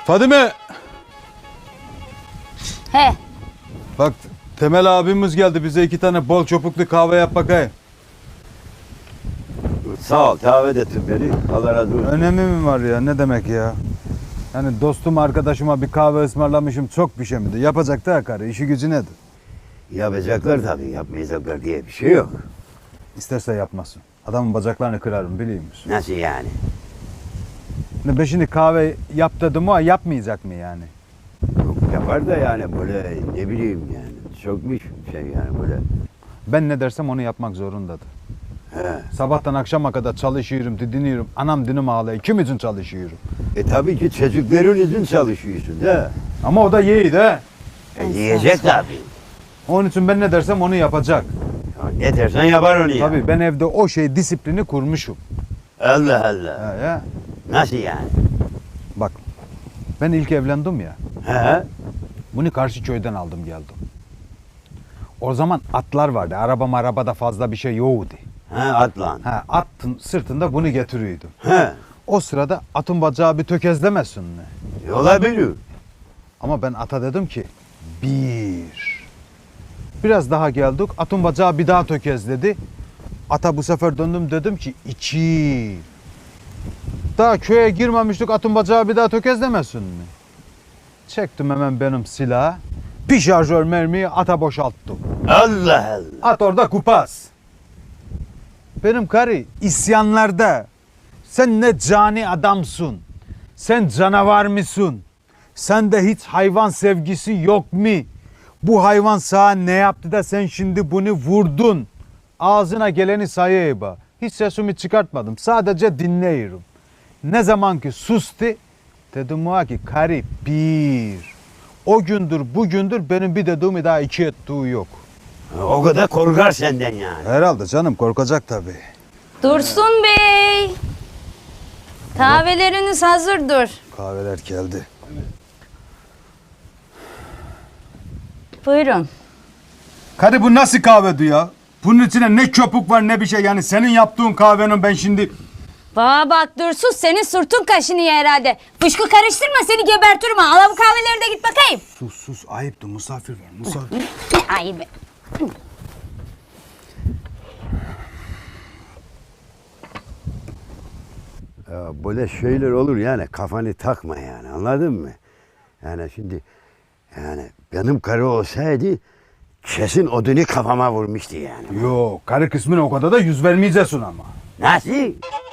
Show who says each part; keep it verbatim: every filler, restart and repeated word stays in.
Speaker 1: Fadime!
Speaker 2: He.
Speaker 1: Bak Temel abimiz geldi, bize iki tane bol çopuklu kahve yap bakayım.
Speaker 3: Sağ ol, davet ettin beni. Allah razı olsun.
Speaker 1: Önemi mi var ya, ne demek ya? Yani dostum arkadaşıma bir kahve ısmarlamışım, çok bir şey miydi? Yapacak da karı, işi gücü nedir?
Speaker 3: Yapacaklar tabii, yapmayacaklar diye bir şey yok.
Speaker 1: İsterse yapmasın. Adamın bacaklarını kırarım, biliyor musun?
Speaker 3: Nasıl yani?
Speaker 1: Ne ben şimdi kahve yap dedim ama yapmayacak mı yani?
Speaker 3: Yok, yapar da yani böyle ne bileyim yani. Çokmuş şey yani böyle.
Speaker 1: Ben ne dersem onu yapmak zorundadır.
Speaker 3: He.
Speaker 1: Sabahtan akşama kadar çalışıyorum, didiniyorum. Anam dinim ağlıyor. Kim için çalışıyorum?
Speaker 3: E tabii ki çocukların için çalışıyorsun da.
Speaker 1: Ama o da yiğit he.
Speaker 3: E, yiyecek tabii.
Speaker 1: Onun için ben ne dersem onu yapacak.
Speaker 3: Ya ne dersen yapar onu ya.
Speaker 1: Tabii ben evde o şey disiplini kurmuşum.
Speaker 3: Allah Allah.
Speaker 1: He, he.
Speaker 3: Nasıl yani?
Speaker 1: Bak ben ilk evlendim ya.
Speaker 3: He?
Speaker 1: Bunu karşı köyden aldım geldim. O zaman atlar vardı. Araba arabada fazla bir şey yoktu.
Speaker 3: He atlan.
Speaker 1: Ha, atın sırtında bunu getiriyordu.
Speaker 3: He.
Speaker 1: O sırada atın bacağı bir tökezlemesin mi?
Speaker 3: E, olabilir.
Speaker 1: Ama ben ata dedim ki bir. Biraz daha geldik. Atın bacağı bir daha tökezledi. Ata bu sefer döndüm dedim ki iki. Daha köye girmemiştik, atın bacağı bir daha tökezlemesin mi? Çektim hemen benim silahı. Bir şarjör mermiyi ata boşalttım.
Speaker 3: Allah Allah.
Speaker 1: At orada kupaz. Benim karı isyanlarda. Sen ne cani adamsın. Sen canavar mısın? Sende hiç hayvan sevgisi yok mu? Bu hayvan sana ne yaptı da sen şimdi bunu vurdun? Ağzına geleni sayayım. Hiç sesimi çıkartmadım. Sadece dinliyorum. Ne zaman ki sustu, dedim ona ki karı bir. O gündür bugündür benim bir dediğimi daha iki ettiği yok.
Speaker 3: O kadar korkar senden yani.
Speaker 1: Herhalde canım, korkacak tabii.
Speaker 2: Dursun Bey. Kahveleriniz hazırdır.
Speaker 1: Kahveler geldi.
Speaker 2: Buyurun.
Speaker 1: Karı bu nasıl kahvedi ya? Bunun içine ne köpük var ne bir şey, yani senin yaptığın kahvenin ben şimdi...
Speaker 2: Bana bak Dursun, senin sırtın kaşınıyor herhalde. Fışkı karıştırma, seni gebertirim ha. Al bu kahveleri de git bakayım.
Speaker 1: Sus sus, ayıptı, misafir var misafir.
Speaker 2: Ne ayıbı.
Speaker 3: Ya böyle şeyler olur yani, kafanı takma yani, anladın mı? Yani şimdi yani benim karı olsaydı kesin odunu kafama vurmuştu yani.
Speaker 1: Yok, karı kısmına o kadar da yüz vermeyeceksin ama.
Speaker 3: Nasıl?